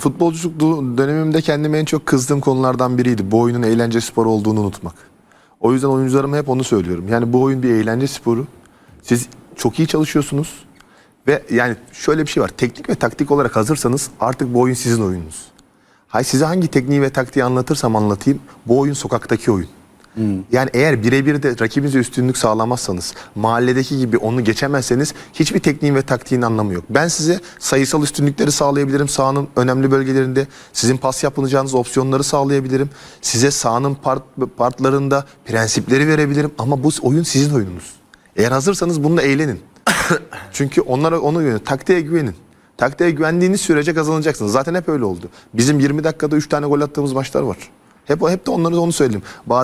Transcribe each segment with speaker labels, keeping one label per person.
Speaker 1: futbolculuk dönemimde kendime en çok kızdığım konulardan biriydi. Bu oyunun eğlence sporu olduğunu unutmak. O yüzden oyuncularıma hep onu söylüyorum. Yani bu oyun bir eğlence sporu. Siz çok iyi çalışıyorsunuz. Ve yani şöyle bir şey var. Teknik ve taktik olarak hazırsanız artık bu oyun sizin oyununuz. Size hangi tekniği ve taktiği anlatırsam anlatayım. Bu oyun sokaktaki oyun. Yani eğer birebir de rakibinize üstünlük sağlamazsanız, mahalledeki gibi onu geçemezseniz hiçbir tekniğin ve taktiğin anlamı yok. Ben size sayısal üstünlükleri sağlayabilirim sahanın önemli bölgelerinde. Sizin pas yapılacağınız opsiyonları sağlayabilirim. Size sahanın partlarında prensipleri verebilirim. Ama bu oyun sizin oyununuz. Eğer hazırsanız bununla eğlenin. Çünkü onlara onu güvenin. Taktiğe güvenin. Taktiğe güvendiğiniz sürece kazanacaksınız. Zaten hep öyle oldu. Bizim 20 dakikada 3 tane gol attığımız maçlar var. Hep de onları da onu söyledim.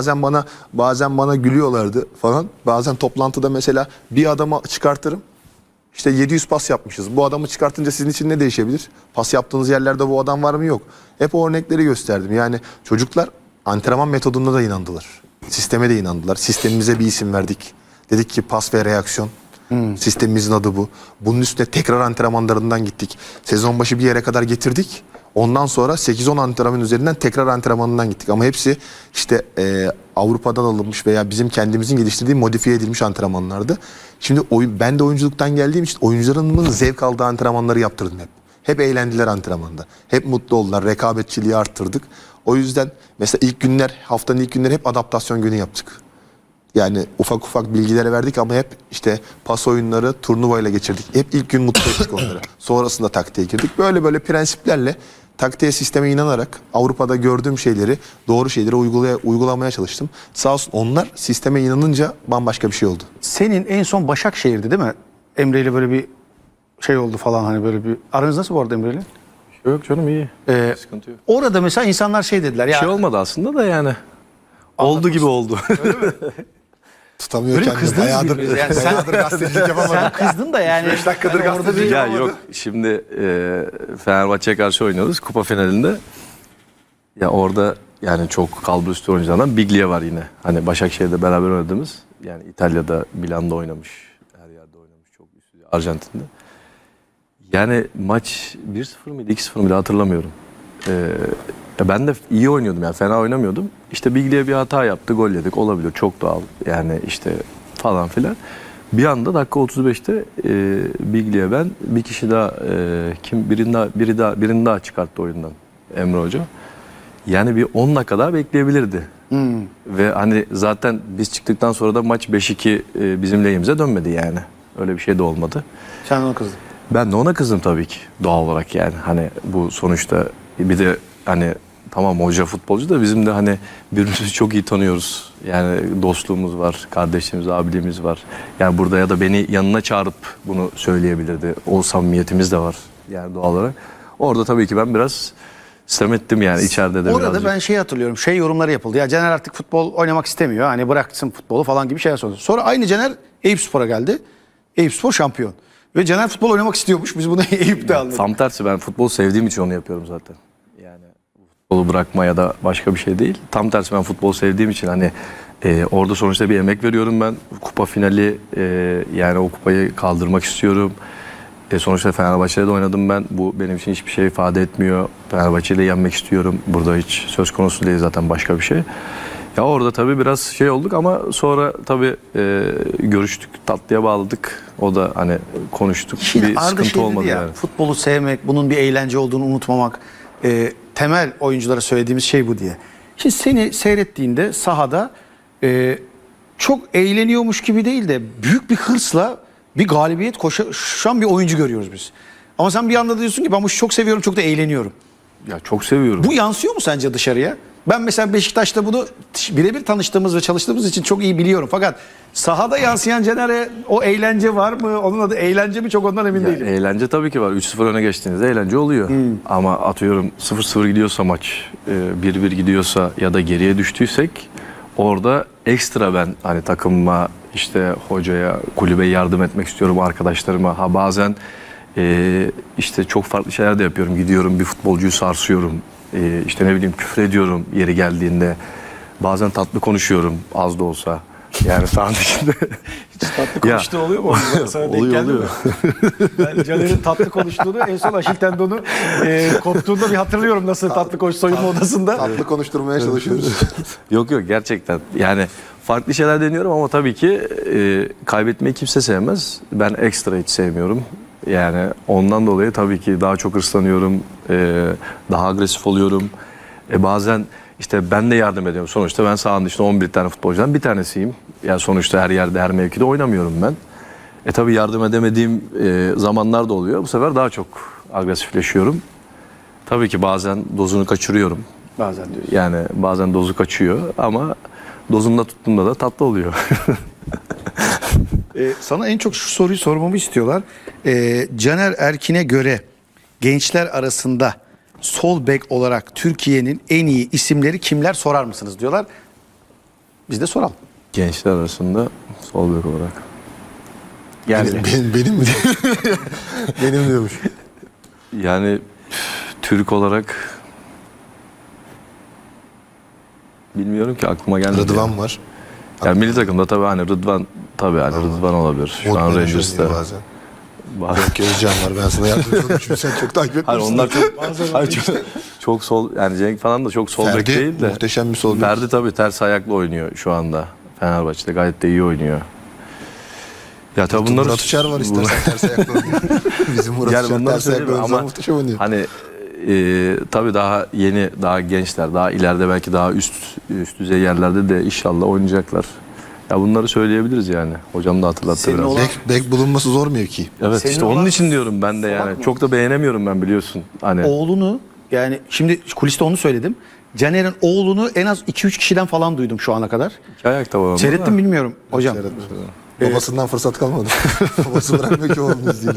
Speaker 1: Bazen bana gülüyorlardı falan. Bazen toplantıda mesela bir adamı çıkartırım. İşte 700 pas yapmışız. Bu adamı çıkartınca sizin için ne değişebilir? Pas yaptığınız yerlerde bu adam var mı yok. Hep o örnekleri gösterdim. Yani çocuklar antrenman metoduna da inandılar. Sisteme de inandılar. Sistemimize bir isim verdik. Dedik ki pas ve reaksiyon. Sistemimizin adı bu. Bunun üstüne tekrar antrenmanlarından gittik. Sezon başı bir yere kadar getirdik. Ondan sonra 8-10 antrenman üzerinden tekrar antrenmanından gittik. Ama hepsi işte Avrupa'dan alınmış veya bizim kendimizin geliştirdiği modifiye edilmiş antrenmanlardı. Şimdi ben de oyunculuktan geldiğim için oyuncularımın zevk aldığı antrenmanları yaptırdım hep. Hep eğlendiler antrenmanda. Hep mutlu oldular. Rekabetçiliği arttırdık. O yüzden mesela haftanın ilk günleri hep adaptasyon günü yaptık. Yani ufak ufak bilgilere verdik ama hep işte pas oyunları turnuvayla geçirdik. Hep ilk gün mutlu ettik onları. Sonrasında taktiğe girdik. Böyle prensiplerle taktiğe, sisteme inanarak Avrupa'da gördüğüm şeyleri, doğru şeyleri uygulamaya çalıştım. Sağ olsun onlar sisteme inanınca bambaşka bir şey oldu.
Speaker 2: Senin en son Başakşehir'di değil mi? Emre ile böyle bir şey oldu falan, hani böyle bir... Aranız nasıl bu arada Emre ile?
Speaker 3: Yok canım, iyi. Sıkıntı yok.
Speaker 2: Orada mesela insanlar şey dediler ya...
Speaker 3: Bir şey olmadı aslında da yani. Oldu gibi oldu.
Speaker 1: Tutamıyor
Speaker 2: Öyle
Speaker 1: kendini.
Speaker 2: kızdınız birbirinize. Yani sen kızdın da yani.
Speaker 1: 5 dakikadır
Speaker 2: hani orada bir...
Speaker 3: Ya yok, şimdi Fenerbahçe'ye karşı oynuyoruz kupa finalinde. Ya orada yani çok kalburüstü oyunculardan Biglia var yine. Hani Başakşehir'de beraber oynadığımız. Yani İtalya'da, Milan'da oynamış. Her yerde oynamış. Çok üstü. Arjantin'de. Yani maç 1-0 mıydı, 2-0 mıydı hatırlamıyorum. Ben de iyi oynuyordum yani, fena oynamıyordum. İşte Biglia bir hata yaptı, gol yedik, olabilir, çok doğal yani işte falan filan. Bir anda dakika 35'te Biglia, ben bir kişi daha birini daha çıkarttı oyundan, Emre Hoca. Yani bir 10 dakika daha bekleyebilirdi. Ve hani zaten biz çıktıktan sonra da maç 5-2 bizim lehimize dönmedi yani. Öyle bir şey de olmadı.
Speaker 2: Sen ona kızdın.
Speaker 3: Ben de ona kızdım tabii ki, doğal olarak yani. Hani bu sonuçta bir de hani tamam hoca futbolcu da bizim de hani birbirimizi çok iyi tanıyoruz. Yani dostluğumuz var, kardeşliğimiz, abiliğimiz var. Yani burada ya da beni yanına çağırıp bunu söyleyebilirdi. O samimiyetimiz de var yani doğal olarak. Orada tabii ki ben biraz sistem ettim yani içeride de
Speaker 2: orada
Speaker 3: birazcık.
Speaker 2: ben şey hatırlıyorum, şey yorumları yapıldı. Ya Caner artık futbol oynamak istemiyor. Hani bıraksın futbolu falan gibi şeyler sordu. Sonra aynı Caner Eyüpspor'a geldi. Eyüpspor şampiyon. Ve Caner futbol oynamak istiyormuş. Biz bunu Eyüp'te anladık.
Speaker 3: Tam tersi, ben futbol sevdiğim için onu yapıyorum zaten. Yani futbolu bırakma ya da başka bir şey değil. Tam tersi, ben futbol sevdiğim için hani orada sonuçta bir emek veriyorum ben. Kupa finali, yani o kupayı kaldırmak istiyorum. Sonuçta Fenerbahçe'de de oynadım ben. Bu benim için hiçbir şey ifade etmiyor. Fenerbahçe'yle yenmek istiyorum. Burada hiç söz konusu değil zaten, başka bir şey. Ya orada tabii biraz şey olduk ama sonra tabii görüştük, tatlıya bağladık. O da hani konuştuk.
Speaker 2: Şimdi
Speaker 3: bir
Speaker 2: Arda
Speaker 3: sıkıntı
Speaker 2: şey dedi
Speaker 3: olmadı
Speaker 2: ya,
Speaker 3: yani.
Speaker 2: futbolu sevmek, bunun bir eğlence olduğunu unutmamak. Temel oyunculara söylediğimiz şey bu diye. Şimdi seni seyrettiğinde sahada çok eğleniyormuş gibi değil de büyük bir hırsla bir galibiyet koşan bir oyuncu görüyoruz biz. Ama sen bir anda diyorsun ki ben bu işi çok seviyorum, çok da eğleniyorum.
Speaker 3: Ya çok seviyorum.
Speaker 2: Bu yansıyor mu sence dışarıya? Ben mesela Beşiktaş'ta bunu birebir tanıştığımız ve çalıştığımız için çok iyi biliyorum. Fakat sahada yansıyan Caner'e o eğlence var mı? Onun adı eğlence mi? Çok ondan emin değilim.
Speaker 3: Eğlence tabii ki var. 3-0 öne geçtiğinizde eğlence oluyor. Ama atıyorum 0-0 gidiyorsa maç, 1-1 gidiyorsa ya da geriye düştüysek orada ekstra ben hani takımıma, işte hocaya, kulübe yardım etmek istiyorum, arkadaşlarıma. Ha bazen işte çok farklı şeyler de yapıyorum. Gidiyorum bir futbolcuyu sarsıyorum. İşte ne bileyim küfür ediyorum yeri geldiğinde. Bazen tatlı konuşuyorum az da olsa. Yani sahanın içinde.
Speaker 2: Tatlı konuştuğu oluyor mu? Sana denk
Speaker 3: oluyor
Speaker 2: geldi mi?
Speaker 3: oluyor.
Speaker 2: Ben Caner'in tatlı konuştuğunu en son Aşil tendonu koptuğunda bir hatırlıyorum nasıl tatlı koş soyunma odasında.
Speaker 1: Tatlı konuşturmaya çalışıyoruz.
Speaker 3: Yok gerçekten. Yani farklı şeyler deniyorum ama tabii ki kaybetmeyi kimse sevmez. Ben ekstra hiç sevmiyorum. Yani ondan dolayı tabii ki daha çok hırslanıyorum. Daha agresif oluyorum. Bazen işte ben de yardım ediyorum. Sonuçta ben sahanın dışında 11 tane futbolcudan bir tanesiyim. Yani sonuçta her yerde her mevkide oynamıyorum ben. Tabii yardım edemediğim zamanlar da oluyor. Bu sefer daha çok agresifleşiyorum. Tabii ki bazen dozunu kaçırıyorum.
Speaker 2: Bazen diyorsun.
Speaker 3: Yani bazen dozu kaçıyor ama dozunda tuttuğumda da tatlı oluyor.
Speaker 2: Sana en çok şu soruyu sormamı istiyorlar. Caner Erkin'e göre gençler arasında sol bek olarak Türkiye'nin en iyi isimleri kimler sorar mısınız diyorlar. Biz de soralım.
Speaker 3: Gençler arasında sol bek olarak. Yani
Speaker 1: Benim mi? Benim diyormuş.
Speaker 3: yani Türk olarak bilmiyorum ki aklıma gelmedi.
Speaker 1: Rıdvan var.
Speaker 3: Yani milli takımda tabii hani Rıdvan tabii hani Rıdvan olabilir. Şu an Rangers'ta.
Speaker 1: Bazen. Yok Özcan var, ben sana yardımcı olayım çünkü sen çok takip etmişsin.
Speaker 3: Hayır onlar çok, hayır, çok sol yani Cenk falan da çok sol bek
Speaker 1: Ferdi
Speaker 3: değil de.
Speaker 1: muhteşem bir sol bek.
Speaker 3: Ferdi tabii ters ayaklı oynuyor şu anda. Fenerbahçe'de gayet de iyi oynuyor. Ya tabii bunları
Speaker 1: Murat Uçar var istersen ters ayaklı oynuyor. Bizim Murat
Speaker 3: Yani
Speaker 1: Uçar
Speaker 3: bunları
Speaker 1: ters ayaklı
Speaker 3: söyleyeyim
Speaker 1: oynuyor.
Speaker 3: ama
Speaker 1: Muhteşem oynuyor.
Speaker 3: hani tabii daha yeni, daha gençler, daha ileride belki daha üst düzey yerlerde de inşallah oynayacaklar. Ya bunları söyleyebiliriz yani. Hocam da hatırlattı
Speaker 2: Senin
Speaker 3: biraz.
Speaker 2: olan-
Speaker 1: Bek bulunması zor mevki.
Speaker 3: Evet
Speaker 2: Senin
Speaker 3: işte
Speaker 2: olan-
Speaker 3: onun için diyorum ben de
Speaker 2: Salak
Speaker 3: yani.
Speaker 2: mı?
Speaker 3: Çok da beğenemiyorum ben biliyorsun. Hani
Speaker 2: Oğlunu yani şimdi kuliste onu söyledim. Caner'in oğlunu en az 2-3 kişiden falan duydum şu ana kadar.
Speaker 3: iki ayakta var onda
Speaker 2: Seyrettim
Speaker 3: da.
Speaker 2: bilmiyorum hocam.
Speaker 1: Babasından fırsat kalmadı. Babası bırakmıyor ki oğlum izleyelim.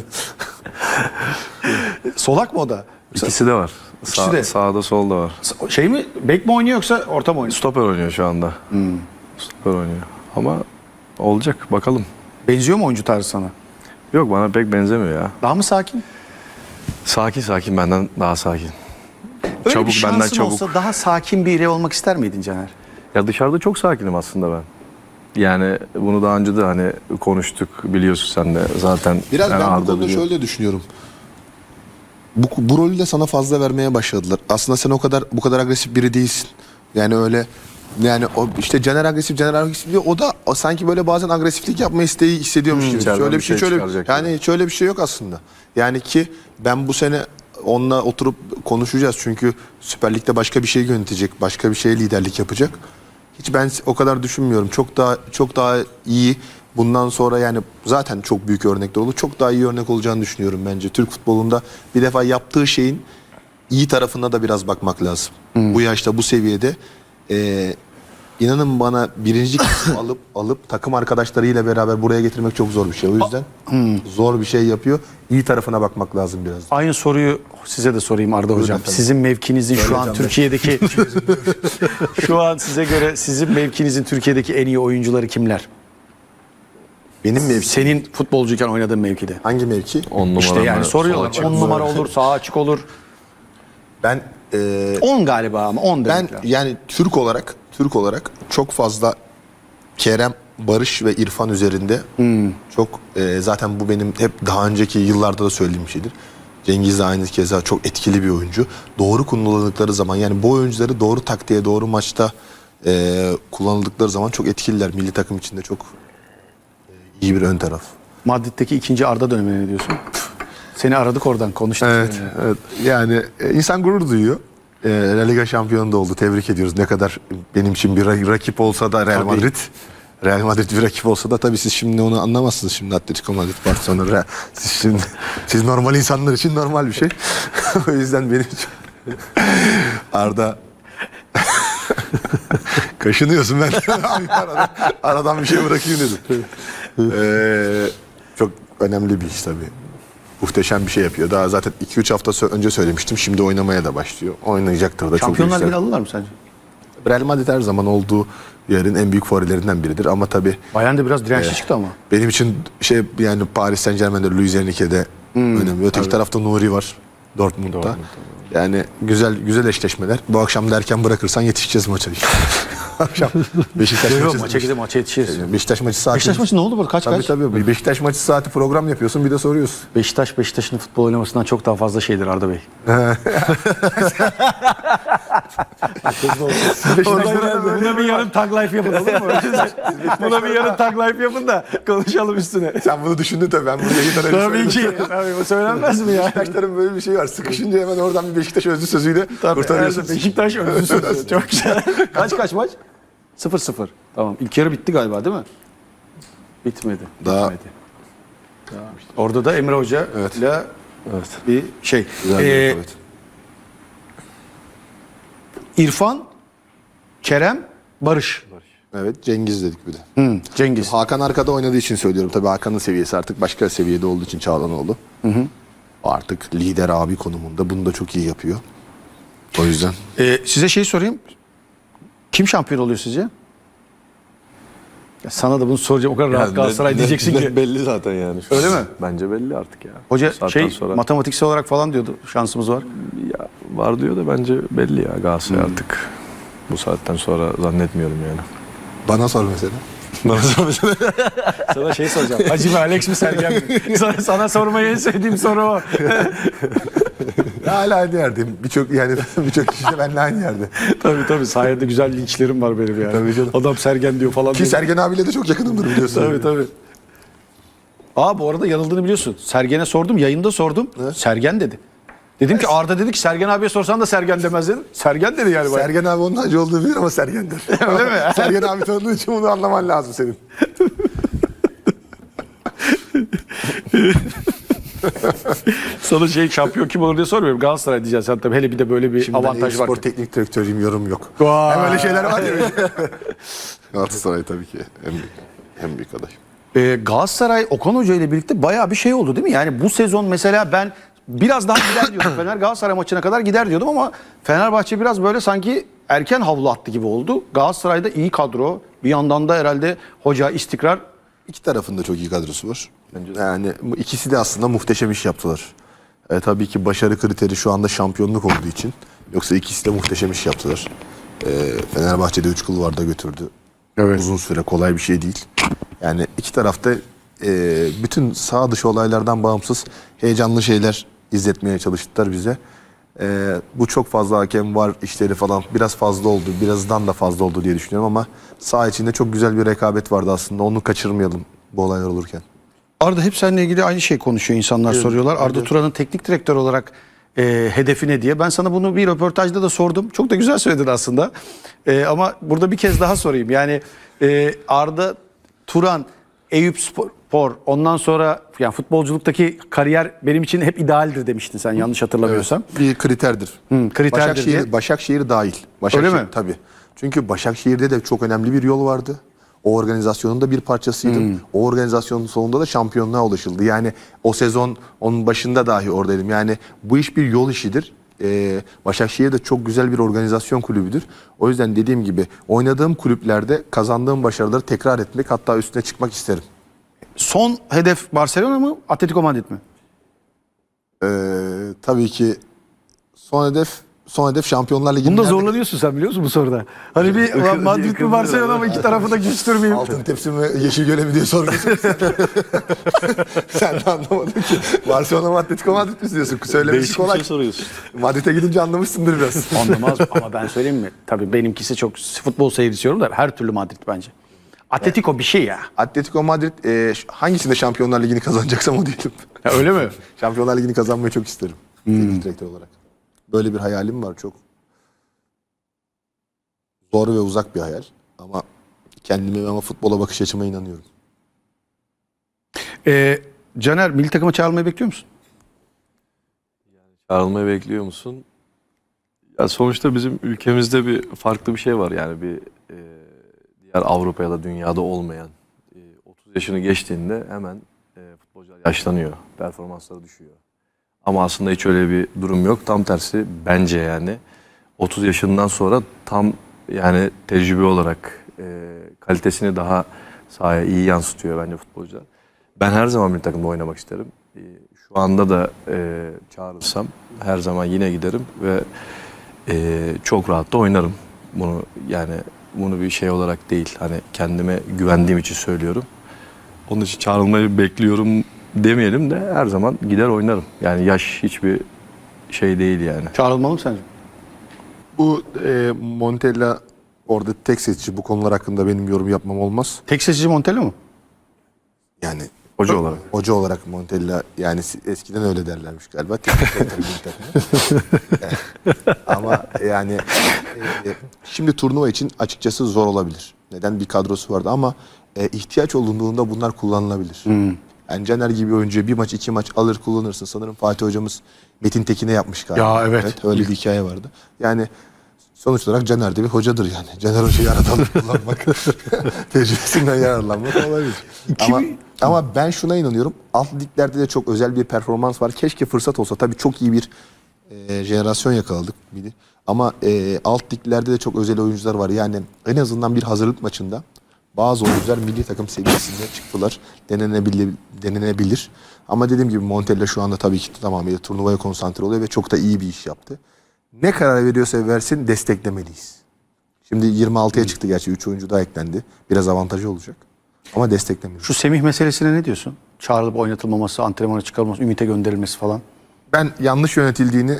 Speaker 2: Solak mı o da?
Speaker 3: İkisi de var.
Speaker 2: İkisi de.
Speaker 3: Sağda solda var.
Speaker 2: Şey mi? Bek mi oynuyor yoksa orta mı oynuyor?
Speaker 3: Stoper oynuyor şu anda. Stoper oynuyor. Ama olacak bakalım.
Speaker 2: Benziyor mu oyuncu tarzı sana?
Speaker 3: Yok bana pek benzemiyor ya.
Speaker 2: Daha mı sakin?
Speaker 3: Sakin benden daha sakin.
Speaker 2: Öyle
Speaker 3: Çabuk,
Speaker 2: bir şansın
Speaker 3: benden çabuk.
Speaker 2: olsa daha sakin biri olmak ister miydin Caner?
Speaker 3: Ya dışarıda çok sakinim aslında ben. Yani bunu daha önce de hani konuştuk biliyorsun sen de zaten.
Speaker 1: Biraz
Speaker 3: yani
Speaker 1: ben bu
Speaker 3: Arda
Speaker 1: konuda
Speaker 3: biliyor.
Speaker 1: şöyle düşünüyorum. Bu rolü de sana fazla vermeye başladılar. Aslında sen bu kadar agresif biri değilsin. Yani öyle yani o işte Caner agresif diyor. O sanki böyle bazen agresiflik yapma isteği hissediyormuş gibi.
Speaker 3: içeriden
Speaker 1: Şöyle
Speaker 3: bir
Speaker 1: bir şey
Speaker 3: şey
Speaker 1: şöyle
Speaker 3: çıkaracak
Speaker 1: yani şöyle bir şey yok aslında. Yani ki ben bu sene onunla oturup konuşacağız. Çünkü Süper Lig'de başka bir şey yönetecek, başka bir şeye liderlik yapacak. Hiç ben o kadar düşünmüyorum. Çok daha iyi. Bundan sonra yani zaten çok büyük örnekler olur. Çok daha iyi örnek olacağını düşünüyorum bence. Türk futbolunda bir defa yaptığı şeyin iyi tarafına da biraz bakmak lazım. Bu yaşta, bu seviyede inanın bana birinci kısmı alıp takım arkadaşlarıyla beraber buraya getirmek çok zor bir şey. O yüzden zor bir şey yapıyor. İyi tarafına bakmak lazım biraz.
Speaker 2: Aynı soruyu size de sorayım Arda Hocam.
Speaker 1: efendim.
Speaker 2: Sizin mevkinizin şu an
Speaker 1: Hocam,
Speaker 2: Türkiye'deki şu an size göre sizin mevkinizin Türkiye'deki en iyi oyuncuları kimler?
Speaker 1: Benim mevki.
Speaker 2: Senin futbolcuyken oynadığın mevkide.
Speaker 1: Hangi mevki?
Speaker 3: 10 numara
Speaker 2: İşte yani
Speaker 3: mı?
Speaker 2: soruyorlar.
Speaker 3: Sol açık
Speaker 2: 10
Speaker 3: mı?
Speaker 2: numara olur, sağ açık olur.
Speaker 1: Ben
Speaker 2: 10 galiba ama 10
Speaker 1: Ben
Speaker 2: demek lazım.
Speaker 1: yani Türk olarak çok fazla Kerem, Barış ve İrfan üzerinde çok zaten bu benim hep daha önceki yıllarda da söylediğim şeydir. Cengiz de aynı keza çok etkili bir oyuncu. Doğru kullanıldıkları zaman yani bu oyuncuları doğru taktiğe, doğru maçta kullanıldıkları zaman çok etkililer. Milli takım içinde çok iyi bir ön taraf.
Speaker 2: Madrid'deki ikinci Arda dönemine ne diyorsun? Seni aradık oradan konuştuk.
Speaker 1: Evet. Yani insan gurur duyuyor. La Liga şampiyonu da oldu. Tebrik ediyoruz. Ne kadar benim için bir rakip olsa da Real
Speaker 2: Tabii.
Speaker 1: Madrid. Real Madrid bir rakip olsa da tabii siz şimdi onu anlamazsınız. Şimdi Atletico Madrid, Barcelona, siz normal insanlar için normal bir şey. O yüzden benim için Arda kaşınıyorsun ben. aradan bir şey bırakayım dedim. Çok önemli bir iş tabii. Muhteşem bir şey yapıyor. Daha zaten 2-3 hafta önce söylemiştim. Şimdi oynamaya da başlıyor. Oynayacaktır da.
Speaker 2: Şampiyonlar
Speaker 1: çok
Speaker 2: Ligi'ni
Speaker 1: yüksek.
Speaker 2: alırlar mı sence?
Speaker 1: Real Madrid her zaman olduğu yerin en büyük favorilerinden biridir. Ama tabii
Speaker 2: Bayern de biraz dirençli çıktı ama.
Speaker 1: benim için yani Paris Saint-Germain'de, Luis Enrique'de önemli. Öteki tarafta Nuri var. Dortmund'da. Yani güzel eşleşmeler. Bu akşam da erken bırakırsan yetişeceğiz maça. Akşam Beşiktaş
Speaker 2: Yok,
Speaker 1: maçı.
Speaker 2: maça gidip maça yetişiriz.
Speaker 1: Beşiktaş maçı saati.
Speaker 2: Beşiktaş maçı ne oldu burada? Kaç
Speaker 1: Tabii
Speaker 2: kaç?
Speaker 1: tabii. Bir Beşiktaş maçı saati program yapıyorsun bir de soruyorsun.
Speaker 2: Beşiktaş'ın futbol oynamasından çok daha fazla şeydir Arda Bey. Buna bir yarın tag life yapın, olur mu? Buna bir yarın tag life yapın da konuşalım üstüne.
Speaker 1: Sen bunu düşündün tabii. Ben bunu yayından önce
Speaker 2: Tabii
Speaker 1: söyledim.
Speaker 2: ki. Tabii, bu söylenmez mi ya?
Speaker 1: Beşiktaşların böyle bir şey var. Sıkışınca hemen oradan bir Beşiktaş özlü sözüyle kurtarıyorsun.
Speaker 2: Beşiktaş öncüsü. Çok güzel. Kaç maç? 0-0. Tamam. İlk yarı bitti galiba değil mi? Bitmedi.
Speaker 1: Daha-
Speaker 2: Bitmedi. Orada da Emre Hoca ile
Speaker 3: Evet.
Speaker 2: bir şey.
Speaker 1: Güzel bir rekabet.
Speaker 2: İrfan, Kerem, Barış.
Speaker 1: Evet, Cengiz dedik bir de.
Speaker 2: Cengiz.
Speaker 1: Hakan arkada oynadığı için söylüyorum. Tabii Hakan'ın seviyesi artık başka seviyede olduğu için Çağlanoğlu. O artık lider abi konumunda. Bunu da çok iyi yapıyor. O yüzden.
Speaker 2: Size şey sorayım. Kim şampiyon oluyor sizce? Ya sana da bunu soracağım. O kadar rahat Galatasaray diyeceksin ki.
Speaker 3: Belli zaten yani.
Speaker 2: Öyle mi?
Speaker 3: Bence belli artık ya.
Speaker 2: Hoca
Speaker 3: Bu saatten sonra
Speaker 2: matematiksel olarak falan diyordu. Şansımız var.
Speaker 3: ya var diyor da bence belli ya Galatasaray artık. Bu saatten sonra zannetmiyorum yani.
Speaker 1: Bana sor mesela.
Speaker 2: Sana şey soracağım. Hacı mı, Alex mi, Sergen mi? Sana sormayı en sevdiğim soru o.
Speaker 1: Hala aynı yerdeyim. Birçok kişi de benimle aynı yerde.
Speaker 2: Tabii. Sayende güzel linçlerim var benim yani.
Speaker 1: Tabii canım.
Speaker 2: Adam Sergen diyor falan.
Speaker 1: Ki
Speaker 2: diyor.
Speaker 1: Sergen abiyle de çok yakınımdır biliyorsun.
Speaker 2: Tabii. Bu arada yanıldığını biliyorsun. Sergen'e sordum. Yayında sordum.
Speaker 1: Ne?
Speaker 2: Sergen dedi. Dedim ki Arda dedi ki Sergen abiye sorsan da Sergen demez dedim. Sergen dedi yani.
Speaker 1: Sergen abi onun hacı olduğu bilir ama Sergen'dir.
Speaker 2: Öyle mi?
Speaker 1: Sergen abi tanıdığı için bunu anlaman lazım senin.
Speaker 2: Sana şampiyon kim olur diye sormuyorum. Galatasaray diyeceksin sen tabii. Hele bir de böyle bir
Speaker 1: Şimdi
Speaker 2: avantaj var.
Speaker 1: spor teknik direktörüyüm, yorum yok.
Speaker 2: Vay.
Speaker 1: Hem öyle şeyler var ya. Galatasaray tabii ki en büyük aday.
Speaker 2: Galatasaray Okan Hoca ile birlikte bayağı bir şey oldu değil mi? Yani bu sezon mesela ben biraz daha gider diyordum. Fener Galatasaray maçına kadar gider diyordum ama Fenerbahçe biraz böyle sanki erken havlu attı gibi oldu. Galatasaray'da iyi kadro. Bir yandan da herhalde hoca istikrar.
Speaker 1: İki tarafında çok iyi kadrosu var. Yani bu ikisi de aslında muhteşem iş yaptılar. Tabii ki başarı kriteri şu anda şampiyonluk olduğu için. Yoksa ikisi de muhteşem iş yaptılar. Fenerbahçe'de 3 kulvarda götürdü.
Speaker 2: Evet.
Speaker 1: Uzun süre kolay bir şey değil. Yani iki tarafta bütün sağ dışı olaylardan bağımsız heyecanlı şeyler izletmeye çalıştılar bize. Bu çok fazla hakem var işleri falan biraz fazla oldu. Birazdan da fazla oldu diye düşünüyorum ama saha içinde çok güzel bir rekabet vardı aslında. Onu kaçırmayalım bu olaylar olurken.
Speaker 2: Arda hep seninle ilgili aynı şey konuşuyor insanlar soruyorlar. Arda Turan'ın teknik direktör olarak hedefi ne diye. Ben sana bunu bir röportajda da sordum. Çok da güzel söyledin aslında. Ama burada bir kez daha sorayım. Yani Arda Turan, Eyüpspor ondan sonra yani futbolculuktaki kariyer benim için hep idealdir demiştin sen yanlış hatırlamıyorsam.
Speaker 1: Bir kriterdir.
Speaker 2: Kriterdir diye.
Speaker 1: Başakşehir dahil.
Speaker 2: Öyle mi?
Speaker 1: Tabii. Çünkü Başakşehir'de de çok önemli bir yol vardı. O organizasyonun da bir parçasıydım. O organizasyonun sonunda da şampiyonluğa ulaşıldı. Yani o sezon onun başında dahi oradaydım. Yani bu iş bir yol işidir. Başakşehir de çok güzel bir organizasyon kulübüdür. O yüzden dediğim gibi oynadığım kulüplerde kazandığım başarıları tekrar etmek hatta üstüne çıkmak isterim.
Speaker 2: Son hedef Barcelona mı, Atletico Madrid mi?
Speaker 1: Tabii ki son hedef Şampiyonlar Ligi'nin
Speaker 2: Bunda zorlanıyorsun sen biliyor musun bu soruda? Hani bir ulan Madrid mi Barcelona mı iki tarafı da güçtürmeyeyim.
Speaker 1: Altın tepsi mi yeşil göle mi diye soruyorsun. Sen de anlamadın ki. Barcelona mı Atletico Madrid mi diyorsun? Söylemesi kolay.
Speaker 3: soruyorsun.
Speaker 1: Madrid'e gidince anlamışsındır biraz.
Speaker 2: Anlamaz ama ben söyleyeyim mi? Tabii benimkisi çok futbol seyrediyorum da her türlü Madrid bence. Atletico bir şey ya.
Speaker 1: Atletico Madrid hangisinde Şampiyonlar Ligi'ni kazanacaksam o diyelim.
Speaker 2: Ya öyle mi?
Speaker 1: Şampiyonlar Ligi'ni kazanmayı çok isterim. Teknik direktör olarak. Böyle bir hayalim var çok. Zor ve uzak bir hayal. Ama kendime ama futbola bakış açıma inanıyorum.
Speaker 2: Caner milli takıma çağrılmayı bekliyor musun?
Speaker 3: Çağrılmayı bekliyor musun? Ya sonuçta bizim ülkemizde bir farklı bir şey var yani bir diğer Avrupa ya da dünyada olmayan 30 yaşını geçtiğinde hemen futbolcular yaşlanıyor, performansları düşüyor. Ama aslında hiç öyle bir durum yok. Tam tersi bence yani 30 yaşından sonra tam yani tecrübe olarak kalitesini daha sahaya iyi yansıtıyor bence futbolcular. Ben her zaman bir takımda oynamak isterim. Şu anda da çağrılsam her zaman yine giderim ve çok rahat da oynarım. Bunu yani bunu bir şey olarak değil. Hani kendime güvendiğim için söylüyorum. Onun için çağrılmayı bekliyorum demeyelim de her zaman gider oynarım. Yani yaş hiçbir şey değil yani.
Speaker 2: Çağrılmalı mı sence?
Speaker 1: Bu Montella orada tek seçici, bu konular hakkında benim yorum yapmam olmaz.
Speaker 2: Tek seçici Montella mı?
Speaker 1: Yani
Speaker 3: Hoca olarak.
Speaker 1: hoca olarak Montella, yani eskiden öyle derlermiş galiba. Teknik direktör milli takımı. Ama yani şimdi turnuva için açıkçası zor olabilir. Neden? Bir kadrosu vardı ama ihtiyaç olduğunda bunlar kullanılabilir. Yani Caner gibi oyuncuyu bir maç 2 maç alır kullanırsın. Sanırım Fatih hocamız Metin Tekin'e yapmış galiba.
Speaker 2: Ya evet.
Speaker 1: Öyle bir hikaye vardı. Yani sonuç olarak Caner de bir hocadır yani. Caner hocayı aradan kullanmak, tecrübesinden yararlanmak olabilir. Ama ben şuna inanıyorum. Alt liglerde de çok özel bir performans var. Keşke fırsat olsa. Tabii çok iyi bir jenerasyon yakaladık. Ama alt liglerde de çok özel oyuncular var. Yani en azından bir hazırlık maçında bazı oyuncular milli takım seviyesinde çıktılar. Denenebilir. Ama dediğim gibi Montella şu anda tabii ki tamamıyla turnuvaya konsantre oluyor ve çok da iyi bir iş yaptı. Ne karar veriyorsa versin desteklemeliyiz. Şimdi 26'ya çıktı gerçi. 3 oyuncu daha eklendi. Biraz avantajı olacak. Ama desteklemeliyiz.
Speaker 2: Şu Semih meselesine ne diyorsun? Çağrılıp oynatılmaması, antrenmana çıkarılması, Ümit'e gönderilmesi falan.
Speaker 1: Ben yanlış yönetildiğini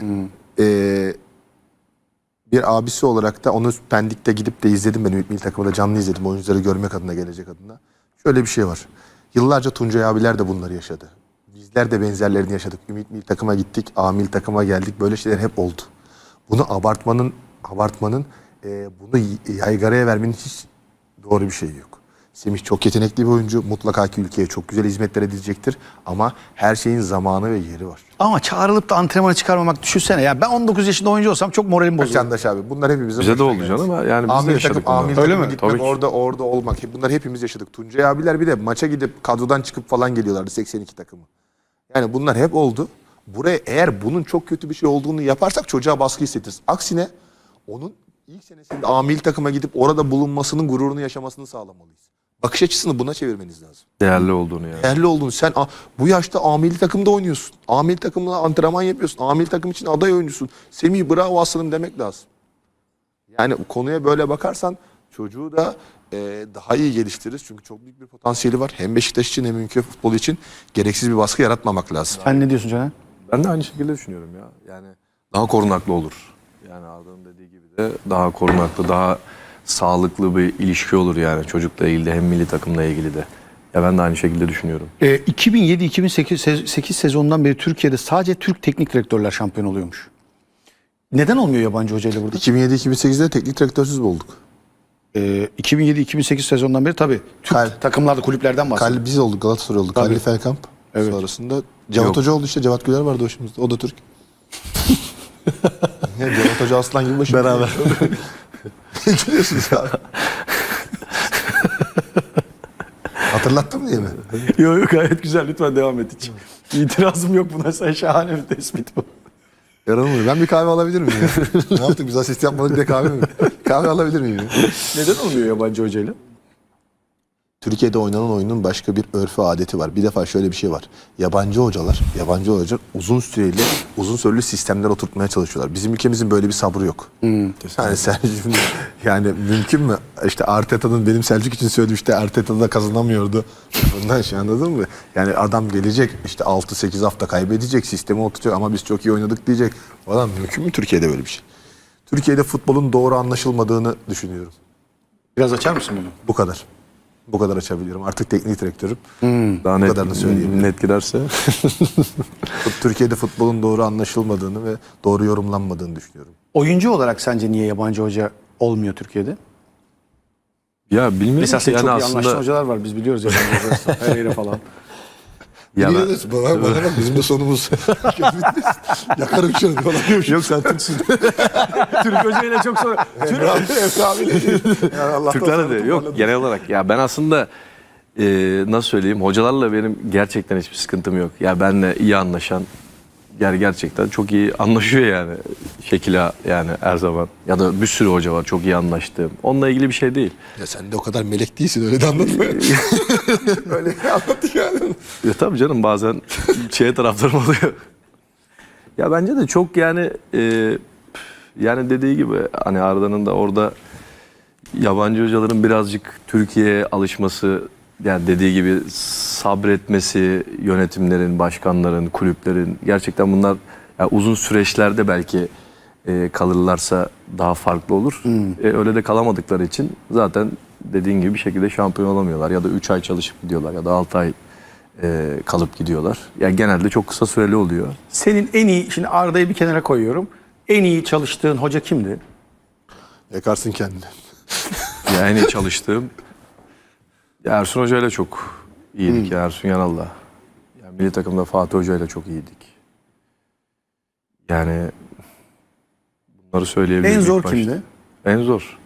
Speaker 1: bir abisi olarak da onu Pendik'te gidip de izledim ben. Ümit Milli Takımı'da canlı izledim. Oyuncuları görmek adına, gelecek adına. Şöyle bir şey var. Yıllarca Tuncay abiler de bunları yaşadı. Bizler de benzerlerini yaşadık. Ümit Milli Takım'a gittik. A Milli Takım'a geldik. Böyle şeyler hep oldu. Bunu abartmanın bunu yaygaraya vermenin hiç doğru bir şey yok. Semih çok yetenekli bir oyuncu. Mutlaka ki ülkeye çok güzel hizmetler edecektir. Ama her şeyin zamanı ve yeri var.
Speaker 2: Ama çağrılıp da antrenmana çıkarmamak, düşünsene. Ya ben 19 yaşında oyuncu olsam çok moralim bozulur.
Speaker 1: Candaş abi, bunlar hepimizin
Speaker 3: Bize de
Speaker 1: başına
Speaker 3: oldu
Speaker 1: geldi.
Speaker 3: canım. Yani biz de yaşadık bunları.
Speaker 1: Amil
Speaker 2: Öyle
Speaker 1: takıma
Speaker 2: mi?
Speaker 1: gitmek,
Speaker 3: Tabii ki.
Speaker 1: orada olmak. Bunlar hepimiz yaşadık. Tuncay abiler bir de maça gidip kadrodan çıkıp falan geliyorlardı, 82 takımı. Yani bunlar hep oldu. Buraya eğer bunun çok kötü bir şey olduğunu yaparsak çocuğa baskı hissettiririz. Aksine onun ilk senesinde amil takıma gidip orada bulunmasının gururunu yaşamasını sağlamalıyız. Bakış açısını buna çevirmeniz lazım.
Speaker 3: Değerli olduğunu yani.
Speaker 1: Değerli olduğunu. Sen bu yaşta amili takımda oynuyorsun. Amili takımla antrenman yapıyorsun. Amili takım için aday oyuncusun. Semih bravo aslanım demek lazım. Yani konuya böyle bakarsan çocuğu da daha iyi geliştiririz. Çünkü çok büyük bir potansiyeli var. Hem Beşiktaş için hem ülke futbolu için gereksiz bir baskı yaratmamak lazım.
Speaker 2: Sen ne diyorsun Caner?
Speaker 3: Ben de aynı şekilde düşünüyorum ya. Yani daha korunaklı olur. Yani Arda'nın dediği gibi de daha korunaklı, daha sağlıklı bir ilişki olur yani çocukla ilgili de hem milli takımla ilgili de. Ya ben de aynı şekilde düşünüyorum.
Speaker 2: 2007-2008 sezonundan beri Türkiye'de sadece Türk teknik direktörler şampiyon oluyormuş. Neden olmuyor yabancı hocayla burada?
Speaker 1: 2007-2008'de teknik direktörsüz olduk.
Speaker 2: 2007-2008 sezondan beri tabii Türk takımlarda, kulüplerden bahsediyorum.
Speaker 1: Biz olduk, Galatasaray olduk.
Speaker 2: Tabii.
Speaker 1: Halil Felkamp.
Speaker 2: Evet.
Speaker 1: Sonrasında Cevat
Speaker 3: Yok.
Speaker 1: Hoca oldu işte. Cevat Güler vardı başımızda. O da Türk. Ya Cevat Hoca aslan gibi başımızda. Beraber. Gülüyorsunuz abi. Hatırlattım değil mi?
Speaker 2: Yok yok, gayet güzel, lütfen devam et hiç. İtirazım yok buna, sen şahane bir tespit bu.
Speaker 1: Yaranılmıyor. Ben bir kahve alabilir miyim ya? Ne yaptık biz, asist yapmadık, bir de kahve mi? Kahve alabilir miyim ya?
Speaker 2: Neden olmuyor yabancı hocayla?
Speaker 1: Türkiye'de oynanan oyunun başka bir örfü, adeti var. Bir defa şöyle bir şey var. Yabancı hocalar uzun süreli, uzun süreli sistemler oturtmaya çalışıyorlar. Bizim ülkemizin böyle bir sabrı yok. Yani yani mümkün mü? İşte Arteta'nın, benim Selçuk için söylediğim, işte Arteta'da kazanamıyordu. Bundan şey, anladın mı? Yani adam gelecek işte 6-8 hafta kaybedecek, sistemi oturtacak ama biz çok iyi oynadık diyecek. Falan mümkün mü Türkiye'de böyle bir şey? Türkiye'de futbolun doğru anlaşılmadığını düşünüyorum.
Speaker 2: Biraz açar mısın bunu?
Speaker 1: Bu kadar. Bu kadar açabiliyorum. Artık teknik direktörüm.
Speaker 3: Daha
Speaker 1: Bu kadarını söyleyeyim.
Speaker 3: net girerse.
Speaker 1: Türkiye'de futbolun doğru anlaşılmadığını ve doğru yorumlanmadığını düşünüyorum.
Speaker 2: Oyuncu olarak sence niye yabancı hoca olmuyor Türkiye'de?
Speaker 3: Ya bilmiyorum
Speaker 2: Mesela
Speaker 3: ki
Speaker 2: senin
Speaker 3: yani
Speaker 2: çok iyi anlaştığın
Speaker 3: aslında.
Speaker 2: hocalar var, biz biliyoruz yabancı hocalar. Her yere falan.
Speaker 3: Ya ben-
Speaker 1: Biliyoruz. Bana bak, bizim de sonumuz. Yakarım şunu falan diyormuş.
Speaker 3: Yok sen Türksün.
Speaker 2: Türk hocayla çok sonra...
Speaker 1: Emre abiyle değil. Yani Allah'tan
Speaker 3: Türklerde de
Speaker 1: sonra
Speaker 3: yok
Speaker 1: toparladım.
Speaker 3: genel olarak. Ya ben aslında nasıl söyleyeyim, hocalarla benim gerçekten hiçbir sıkıntım yok. Ya benle iyi anlaşan, yani gerçekten çok iyi anlaşıyor yani Şekila, yani her zaman. Ya da bir sürü hoca var çok iyi anlaştığım. Onunla ilgili bir şey değil.
Speaker 1: Ya sen de o kadar melek değilsin, öyle de anlatma. Öyle anlat yani.
Speaker 3: Ya tabii canım, bazen taraftarım oluyor. Ya bence de çok yani yani dediği gibi hani Arda'nın da orada Yabancı hocaların birazcık Türkiye'ye alışması, yani dediği gibi sabretmesi, yönetimlerin, başkanların, kulüplerin, gerçekten bunlar ya uzun süreçlerde belki kalırlarsa daha farklı olur. Öyle de kalamadıkları için zaten dediğin gibi bir şekilde şampiyon olamıyorlar. Ya da 3 ay çalışıp gidiyorlar ya da 6 ay kalıp gidiyorlar. Yani genelde çok kısa süreli oluyor.
Speaker 2: Senin en iyi, şimdi Arda'yı bir kenara koyuyorum. En iyi çalıştığın hoca kimdi?
Speaker 1: Yakarsın kendini.
Speaker 3: Yani en iyi çalıştığım Ersun Hoca ile çok iyiydik. Ersun Yanal'la. Yani milli takımda Fatih Hoca ile çok iyiydik. Yani bunları söyleyebilirim.
Speaker 2: En
Speaker 3: ilk
Speaker 2: zor
Speaker 3: başta.
Speaker 2: kimdi?
Speaker 3: En zor.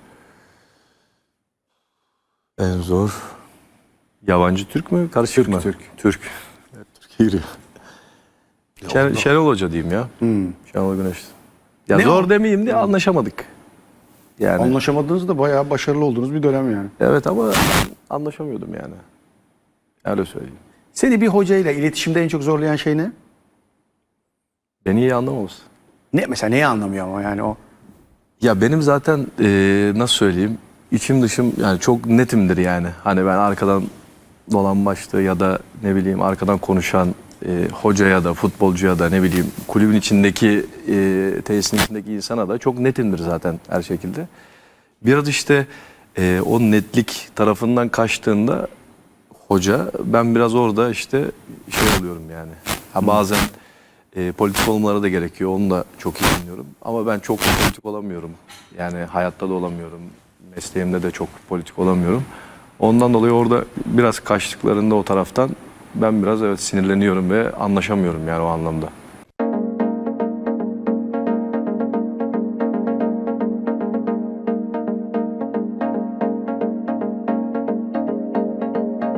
Speaker 3: En zor. Yabancı Türk mü? Karışık mı?
Speaker 2: Türk.
Speaker 3: Türk. Evet, Türkiye giriyor. Şenol Hoca diyeyim ya. Şenol Güneş. Ya
Speaker 2: Ne
Speaker 3: zor
Speaker 2: o?
Speaker 3: demeyeyim de anlaşamadık. Yani
Speaker 2: Anlaşamadığınız da bayağı başarılı olduğunuz bir dönem yani.
Speaker 3: evet ama anlaşamıyordum yani. Öyle söyleyeyim.
Speaker 2: Seni bir hocayla iletişimde en çok zorlayan şey ne?
Speaker 3: Beni iyi anlamaması.
Speaker 2: Ne mesela, neyi anlamıyor ama yani o?
Speaker 3: Ya benim zaten nasıl söyleyeyim, içim dışım yani çok netimdir yani. Hani ben arkadan dolambaçlı ya da ne bileyim arkadan konuşan hocaya da futbolcuya da ne bileyim kulübün içindeki tesisin içindeki insana da çok netimdir zaten her şekilde. Biraz işte o netlik tarafından kaçtığında hoca, ben biraz orada işte şey oluyorum yani. Ha bazen politik olmaları da gerekiyor. Onu da çok iyi anlıyorum. Ama ben çok politik olamıyorum. Yani hayatta da olamıyorum. Mesleğimde de çok politik olamıyorum. Ondan dolayı orada biraz kaçtıklarında o taraftan ben biraz evet sinirleniyorum ve anlaşamıyorum yani o anlamda.